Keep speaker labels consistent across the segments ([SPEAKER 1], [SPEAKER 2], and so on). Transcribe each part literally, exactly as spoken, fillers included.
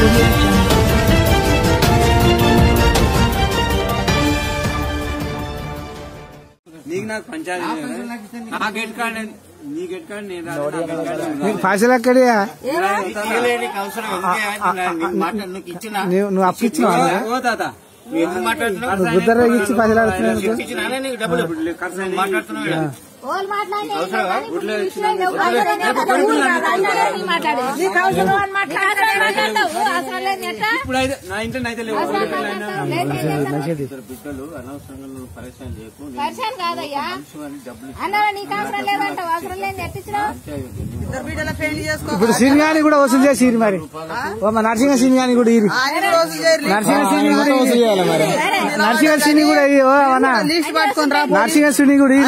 [SPEAKER 1] పైసలు ఎక్కడియా నువ్వు అప్పు ఇచ్చినావు గుద్దర ఇచ్చి పైసలు ఆడుతున్నావు ఇప్పుడు సినిమాని కూడా వసూలు చేసి మరి నరసింహ సినిమాని కూడా ఇది నరసింహ సిని కూడా వసూలు చేయాలి మరి నరసింహ సిని కూడా నరసింహ సిని కూడా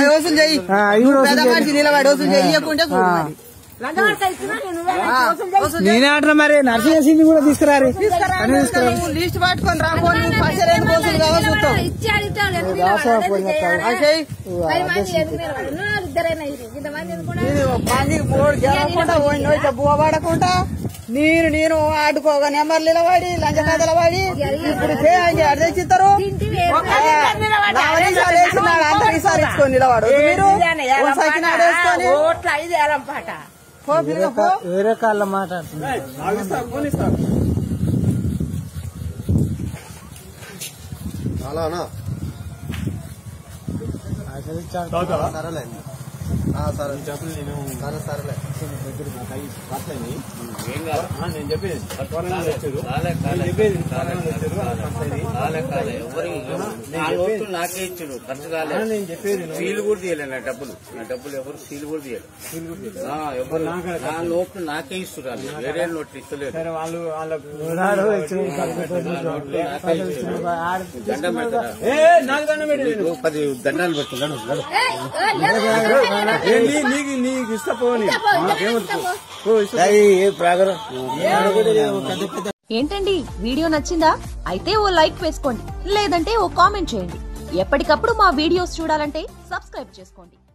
[SPEAKER 1] నేనే అంటున్నా మరి నరసింహ సిని కూడా తీసుకురారు
[SPEAKER 2] లిస్ట్ పట్టుకొని రాబోని బువ్వ పడకుండా నేను నేను ఆడుకోగా నెంబర్ నిలబడి లంచ కథల పడి ఇప్పుడు అడిచిస్తారు అందరిసారి ఇచ్చుకొని నిలబడు
[SPEAKER 1] వేరే కాళ్ళ మాట్లాడుతున్నా సరేలే సరే చెప్పు నేను సరే సరేలే నేను చెప్పేది నాకే ఇచ్చాడు ఖర్చు కాలేదు నేను చెప్పేది సీలు కూడా తీయలేదు నా డబ్బులు నా డబ్బులు ఎవరు సీలు కూడా తీయాలి ఎవరు నా నోట్లు నాకే ఇస్తున్నారు వేరే నోట్లు ఇస్తలేదు వాళ్ళు దండం పెడతారా పది దండాలు పెడుతున్నాను నీకు నీకు ఇష్టపోని
[SPEAKER 3] ఏంటండి వీడియో నచ్చిందా? అయితే ఓ లైక్ వేసుకోండి, లేదంటే ఓ కామెంట్ చేయండి. ఎప్పటికప్పుడు మా వీడియోస్ చూడాలంటే సబ్స్క్రైబ్ చేసుకోండి.